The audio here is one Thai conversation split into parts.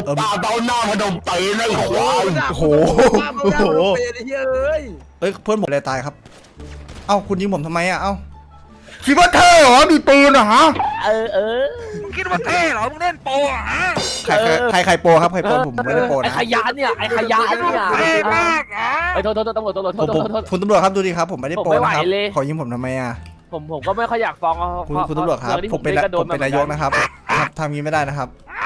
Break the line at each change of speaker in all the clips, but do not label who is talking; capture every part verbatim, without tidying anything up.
อตาเต้าหน้าพนมเตยในหัว
โอ้โหโอ้โหเฮ้ยเพื่อนผมเลยตายครับเอ้าคุณยิงผมทำไมอ่ะเอ้าคิดว่าเท่เหรอมีปืนเหรอฮะ
เออเออ
มึงคิดว่าเท่เหรอมึงเล่นโปอ่ะฮะ
ใครใครใครโปครับใครโปผมไม่ได้โปนะ
ไอ้ขยะเนี่ยไอ้ขยะเนี่ย
เท่มากอ่ะ
ไอ้โทษโทษตำรวจตำรวจโทษโทษโทษ
คุณตำรวจครับดูดิครับผมไม่ได้โปนะครับขอยิงผมทำไมอ่ะ
ผมผมก็ไม่ค่อยอยากฟ้อง
คุณคุณตำรวจครับผมเป็นผมเป็นนายกนะครับทำงี้ไม่ได้นะครับ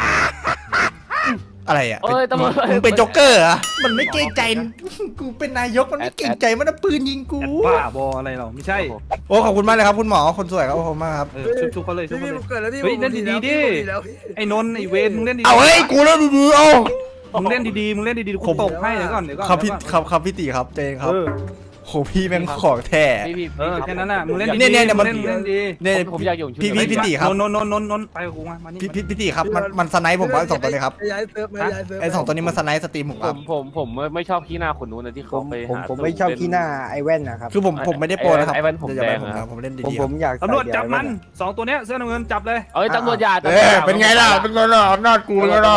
อะไรอ่ะ
เอ้ยตำรวจ
มึงเป็นโจ๊กเกอร์อ่ะมันไม่เกรงใจกูเป็นนายกมันไม่เกรงใจมันเอาปืนยิงกู
บ้าบออะไรเราไม่ใช่
โอ้ขอบคุณมากเลยครับคุณหมอคนสวยครับขอบคุณมากครับ
เออชุบชุบเขาเลยชุบเขาเลยเฮ้ยเล่นดีๆดิไอ้นนท์ไอ้เวรมึงเล่นดี
เอาเฮ้ยกูเล่นดีๆเอา
มึงเล่นดีๆมึงเล่นดีๆกูตบให้เดี๋ยวก่อนเดี๋ยวก่อน
ครับพี่ครับครับพี่ตีครับเจนครับโหพี่แม่งของแท้
เออแค่นั้นน่ะมึงเล่นดี
เนี่ยเนี่ยมัน
เล่นดี
เนี่ย
ผมอยากอยู่
พี่พี่พี่ตีครับ
นนท์นนท์นนท์นนท์ไปกับกูมามานี่
พี่พี่พี่ตีครับมันมันสไนป์ผมว่าสองตัวเลยครับไอ้สองตัวนี้มันสไนป์สตรีมผมครับ
ผมผมไม่ชอบขี้หน้าคนนู้นนะที่เขาไป
ผมผมไม่ชอบขี้หน้าไอแว่นนะครับ
คือผมผมไม่ได้โปรนะครับ
ไอแว่นผมแดง
ครับผมเล่นดี
ๆผมอยาก
ตำรวจจับมันสองตัวเนี้ยเสื้อน้ำเงินจับเลย
เอ้ยตำรวจอย่า
เออเป็นไงล่ะเป็นไงล่ะอำนาจกูเป็นไงล่ะ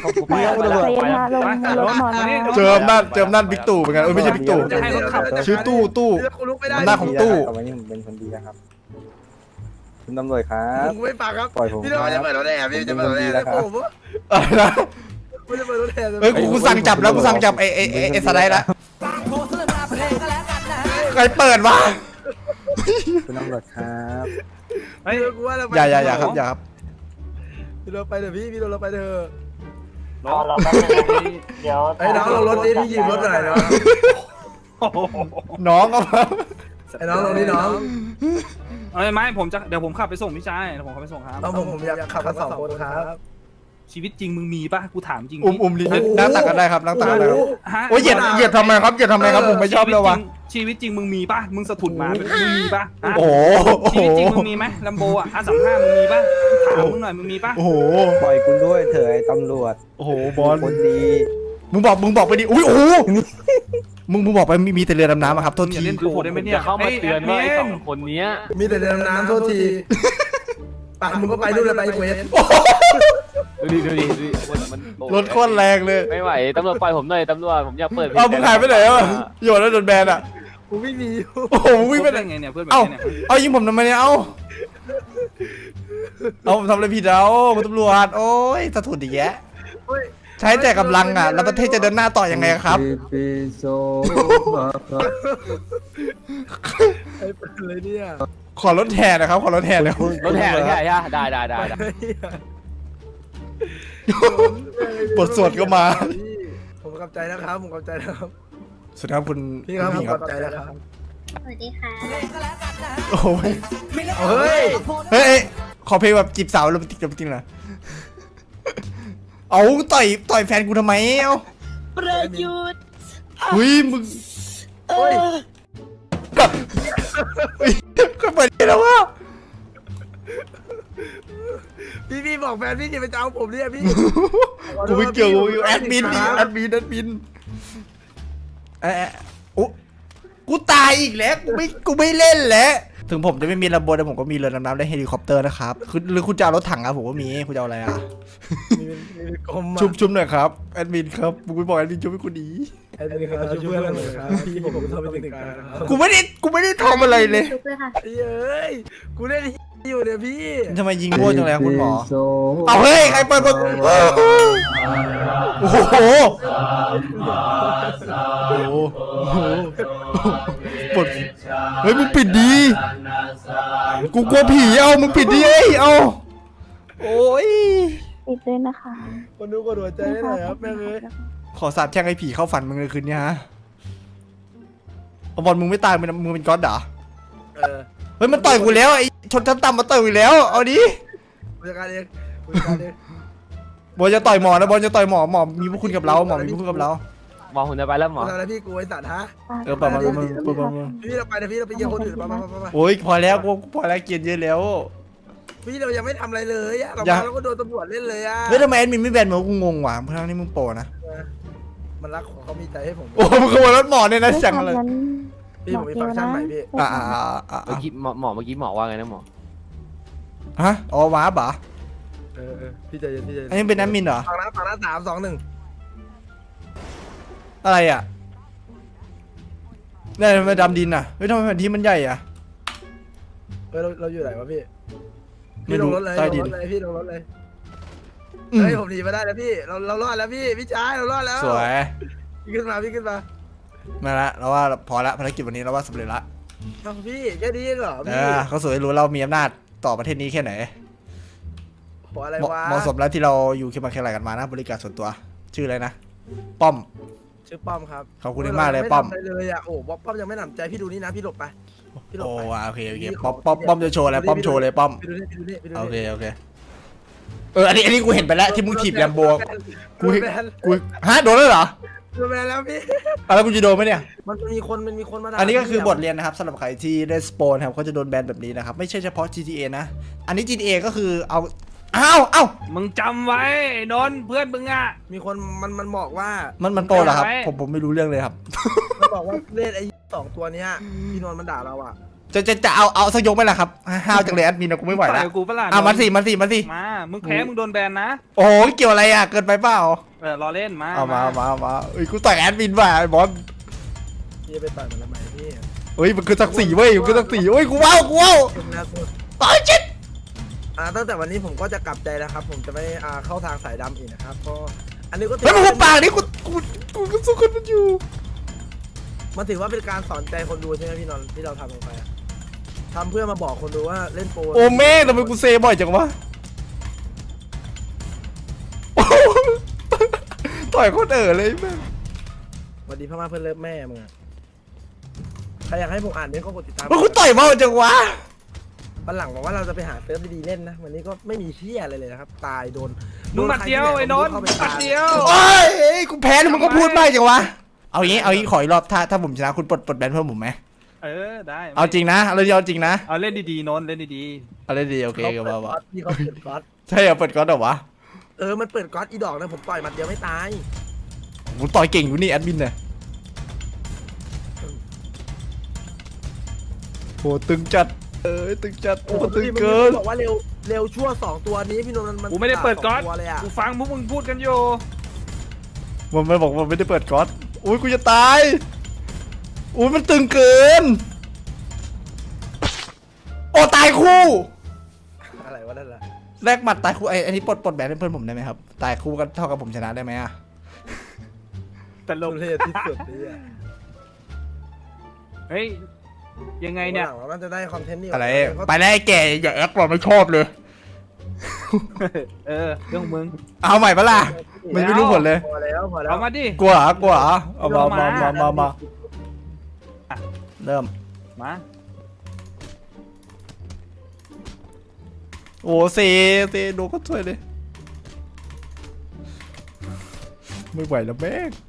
เจออำนาจเจออำนาจบิ๊กตู่เป็นไงเออไม่ใช่บิ๊กตู่ชื่อตู้ตู้อำนาจของตู้
วันนี้ผมเป็นคนดีนะครับคุณตำรวจครับ
ไม่
ปากครับปล่อยผม
พี่ต้องจะเปิดรถแห่พี่จะเปิดรถแห่
แล้วครับ
อะไรนะเฮ้ยกูสั่งจับแล้วกูสั่งจับไอ้ไอ้ไอ้สไลด์ละใครเปิดวะ
คุณตำรวจครับ
อย่าอย่าอย่าครับอย่าครับ
พี่เราไปเถอะพี่พี่เราไปเถอะ
รอรอแป๊บนึงเดี๋ยว
ไอ้น้องเรารถนี้พี่ยิงรถหน่อยนะ
น้องก็
ไอ้น้องตรงนี้น้อง
เอ้ยไม่ผมจะเดี๋ยวผมขับไปส่งพี่ชายเดี๋ยวผมขับไปส่งครับ
เอาผมผมอยากขับกันสองคนครับ
ชีวิตจริงมึงมีป่ะกูถามจริง
อุ้มอุ้มดินั่งตักกันได้ครับนั่งตักกันได้ครับโอ้ยเหยียดเหยียดทำไมครับเหยียดทำไมครับผมไม่ชอบเลยวะ
ชีวิตจริงมึงมีป่ะมึงสะทุนมามึงมีป่ะ
โอ้
ชีวิตจริงมึงมีไหมลัมโบอ่ะอาสามห้ามึงมีป่ะถามมึงหน่อยมึงมีป่ะ
โอ้โห
ปล่อยคุณด้วยเถอะไอ้ตำรวจ
โอ้โหบอล
คนดี
มึงบอกมึงบอกไปดิอุ้ยโอ้มึงมึงบอกไปมีแต่เรือดำน้ำครับโทษที
เล่นโผล่ได้ไหมเนี่ย
เข้ามาเตือนว่าไอ้สองคนนี้
มีแต่เรือดำน้ำโทษทีปะมึงก็ไปดูเลยไปเวส
ดูดิดูดิดูดิมัน
รถโคตรแรงเลย
ไม่ไหวตำรวจปล่อยผมหน่อยตำรวจผมอยากเปิด
เอามึงหายไปไหนวะโยนแล้วโดนแบนอ่ะ
กูไม่มี
โอ้โหวิ่งไปไหน
ไงเนี่ยเพื่อน
เอาเอายิงผมทำไมเนี่ยเอาเอาทำอะไรผิดเอาคุณตำรวจโอ้ยสะทุนอีกแยะใช้แต่กำลังอ่ะแล้วประเทศจะเดินหน้าต่อยังไงครับ
ไอ้เป็นเลยเนี่ย
ขอรถแห่นะครับขอรถแห่เลย
รถแห่เลยแค่ได้ได้ได้ได้
บทสวดก็มา
ผมขอบใจนะครับผมขอบใจนะครับ
สวัสดีครับคุณ
พี่ครับผมขอบใจนะครับ
สวัสดีค่ะ
โอ้ยเฮ้ยเฮ้ยขอเพลงแบบจีบสาวโรแมนติกโรแมนติกนะเอาต่อยต่อยแฟนกูทำไมเอ้า
ประยุทธ์
อุ้ยมึงโอ้ยก็เปิดแล้ววะ
พี่พี่บอกแฟนพี่จะไปเจ้าผมเนี่ยพี่
กูไม่เกี่ยวกูแอดมินดิแอดมินแอดมินเอ๊ะโอ้กูตายอีกแล้วกูไม่กูไม่เล่นแล้วถึงผมจะไม่มีลำโบแต่ผมก็มีเรือดำน้ำและเฮลิคอปเตอร์นะครับคือหรือคุณจะเอารถถังอะผมก็มีคุณจะเอาอะไรอะชุบชุบหน่อยครับแอดมินครับมึงไปบอกแอดมินชุบให้คุณดี
แอดมินครับช่วยเพื่อนหน่อยครับพี่ผมทำเป็นตึกการ
กูไม่ได้กูไม่ได้ทำอะไรเลย
เฮ้ยกูเล่นอยู่เนี่ยพี่
ทำไมยิงโง่จังเลยคุณหมอเอาเฮ้ยใครเปิดประตูโอ้โหโอ้โหปดเฮ้ยมึงปิดดีกูกลัวผีเอามึงปิดดีเอ้ยเอาโอ้ย
ปิดเลยนะคะ
คนดูกดหัวใจให้หน่อยครับแม่เลย
ขอสาบแช่งไอ้ผีเข้าฝันมึงเลยคืนนี้ฮะบอลมึงไม่ตายมึงมึงเป็นก๊อตเหรอเฮ้ยมันต่อยกูแล้วไอ้ชนชั้นต่ำมาต่อยกูแล้วเอาดิ
บริการเองบริการเอง
บอลจะต่อยหมอนะบอลจะต่อยหมอหมอมีพวกคุณกับเราหมอมีพวกคุณกับเรา
หมอหุ่นจะไปแล้วหมอ
อะไรพี่กูไอ้สัตว์ฮะ
เออปะมามา
พี่เราไปนะพี่เราไปเยี่ยมคนอื่นมามามา
โอ้ยพอแล้วกูพอแล้วเกียร์เยอะแล้ว
พี่เรายังไม่ทำอะไรเลยอะเราเราก็โดนตำรวจเล่นเลยอะ
เฮ้ยทำไมแอดมินไม่แบนมึงกูงงว่ะเพราะทั้งนี้มึงโปนะ
มันรักของเขามีใจให้ผม
โอ้มึงขโมยรถหมอเนี่ยนะจังเลย
พี่ผมมีฟังก์ชันใหม่พี่
อ่าอ่าอ่า
เมื่อกี้หมอหมอเมื่อกี้หมอว่าไงนะหมอ
ฮะอ๋อว้าบ่า
เออเออพี่ใจเย็นพี่ใจเย็น
อันนี้เป็นแอดมินเหรอ
ฝั่งนั้นฝั่งนั้นสามสองหนึ่ง
อะไรอ่ะเนี่ยทำไมดำดินอ่ะเฮ้ยทำไมแผ่นที่มันใหญ่อ่ะ
เฮ้ยเราเราอยู่ไหนวะพี่
ไม่
พี่ล
รู้
งรถเลย
ใต้
ล
ดิ
ง
น
รถเลยพี่ลงรถเลย
อืม
เฮ้ยผมหนีมาได้แล้วพี่เราเรารอดแล้วพี่พี่ชายเรารอดแล้ว
สวย
พี่ขึ้นมาพี่ขึ้นมา
มาละเราว่าพอละภารกิจวันนี้เราว่าสำเร็จละ
เอ้าพี่แค่นี้เองเหรอ
เอ
พี่
อเขาสวยรู้เรามีอำนาจต่อประเทศนี้แค่ไหน
โหอะไร
เหมาะ
วะ
เหมาะสมแล้วที่เราอยู่คิดมาแค่ไหนกันมานะบริการส่วนตัว ชื่ออะไรนะป้อม
ชื่อป้อมครับ
ขอบคุณมากเลยป้อม
ไทำอะไรเลยอ่ะโอ้ป้อมยังไม่หนำใจพี่ดูนี่นะพี่หลบไปพี่หลบ
โอ้
ไป
โอเคโอเคป้อมป้อมป้อมจะโชว์อะไรป้อมโชว์เลยป้อม
พี่ดูนี่พี่ดูนี่พี่ดู
โอเค
นี่
โอเคเอออันนี้อันนี้กูเห็นไปแล้วที่มึงถีบแลมโบ
กู
กู
แบน
กูฮะโดนแล้วเหรอ
กูแบนแล้วพี่
อ่ะแล้วกูจะโดนไหมเนี่ย
มันมีคนมันมีคนมาด่า
อันนี้ก็คือบทเรียนนะครับสำหรับใครที่ได้สปอนครับเขาจะโดนแบนแบบนี้นะครับไม่ใช่เฉพาะ จี ที เอ นะ อันนี้ จี ที เอ ก็คือเอาอ้าวอ้าว
มึงจำไว้ไอ้นนท์เพื่อนมึงอ่ะ
มีคนมันมันบอกว่า
มันมันโปรเหรอครับ
ไว้
ผมผมไม่รู้เรื่องเลยครับ
มันบอกว่าเล่นไอ้สองตัวเนี้ยพี่นนท์มันด่าเราอ่ะ
จะจะจะเอาเอาสักยกไหมล่ะครับห้าวจังเลยแอดมินนะกูไม่ไหว
ต่
แล้ว
อยกูปะล่ะ
อ่ะมันสิมันสิมันสิ
มามึงแพ้มึงโดนแบนนะ
โอ้โหเกี่ยวอะไรอ่ะเกินไปเปล่า
เออรอเล่นมา
เอามาเอามาเอามาเอ้ยกูต่อยแอดมินว่ะไอ้บอส
พี่จะไปต่อยมันทำไมพี่
เฮ้ยมันคือศักดิ์ศรีเว้ยมันคือศักดิ์ศรีเว้ยกูว้าวกูว้าว
เป็นนะคุณ
ต่อยชิด
อ่าตั้งแต่วันนี้ผมก็จะกลับใจแล้วครับ ผมจะไม่อ่าเข้าทางสายดำอีกนะครับก็อันนี้ก็ถื
เฮ้ยมึง
ว่
หุบปากดิกูกูกูก็สู้คนมันอยู่
มันถือว่าเป็นการสอนใจคนดูใช่ไหมพี่นนท์ที่เราทำลงไปอะทำเพื่อมาบอกคนดูว่าเล่นโปร
โอ้แม่งทำไมกูเซบ่อยจังวะโอ้โหต่อยโคตรเอ๋อเลยแม่ง
สวัสดีพ่อมาเพื่อนเลิฟแม่มึงอะใครอยากให้ผมอ่านเนี่ยก็กดติดตาม
มันกูต่อยเบาจังวะ
วันหลังบอกว่าเราจะไปหาเซิร์ฟดีๆเล่นนะวันนี้ก็ไม่มีเชี่ยอะไรเลยนะครับตายโดน
มึงหมัดเดียวไอ้นนท์
เข้าไป
หมัดเดียว
โอ้ยเอ้ยกูแพ้แล้วมึงก็พูดมากจังวะเอางี้เอางี้ขออีกรอบถ้าถ้าผมชนะคุณปลดปลดแบนเพิ่มผมไหม
เออได้
เอาจริงนะเอาเรื่องจริงนะ
เอาเล่นดีๆนนท์เล่นดี
เอาเรื่องดีโอเค
เขา
ก็
เปิด
ว่า
ก๊
ว่า
อตพี่เขาเปิดก๊อต
ใช่เหรอเปิดก๊อตเหรอวะ
เออมันเปิดก๊อตอีดอกนะผมต่อยหมัดเดียวไม่ตาย
กูต่อยเก่งอยู่นี่แอดมินเนี่ยโหตึงจัดเอ้ยตึงจัดโอ้ตึง
พี่
เกิน
บอกว่าเร็วเร็วชั่วสองตัวนี้พี่นนท์มัน
ๆกูไม่ได้เปิดก๊อต
สงตัวเลยอะ
กูฟังพวกมึงพูดกันอยู่
มันไม่บอกมันไม่ได้เปิดก๊อตอุ้ยกูจะตายอุ้ยมันตึงเกินโอ้ตายคู่
อะไรวะนั่นแหละ
แลกหมัดตายคู่ไอ้ไอ้นี่ปลดปลดแบนให้เพื่อนผมได้ไหมครับตายคู่กันเท่ากับผมชนะได้ไหมอะ
แต่ล
ล
ง
งเทที่สุดนี่อะ
เฮ้ยยังไงเนี่ย
หลังเราน่าจะได้คอนเทนต์นี่
อะไร
เขา
ไปแล้วไอ้แก่อย่าแอคว่าไม่ชอบเลย
เออเรื่องของมึง
เอาใหม่ปะล่ะมันไม่รู้ผลเลย
พอแล้วพอแล้ว
เอามาดิ
กลัวเหรอกลัวเหรอเอามามามามามา
อ่ะ
เริ่ม
มา
โอ้เซเซดูก็ช่วยเลยไม่ไหวแล้วแม่ง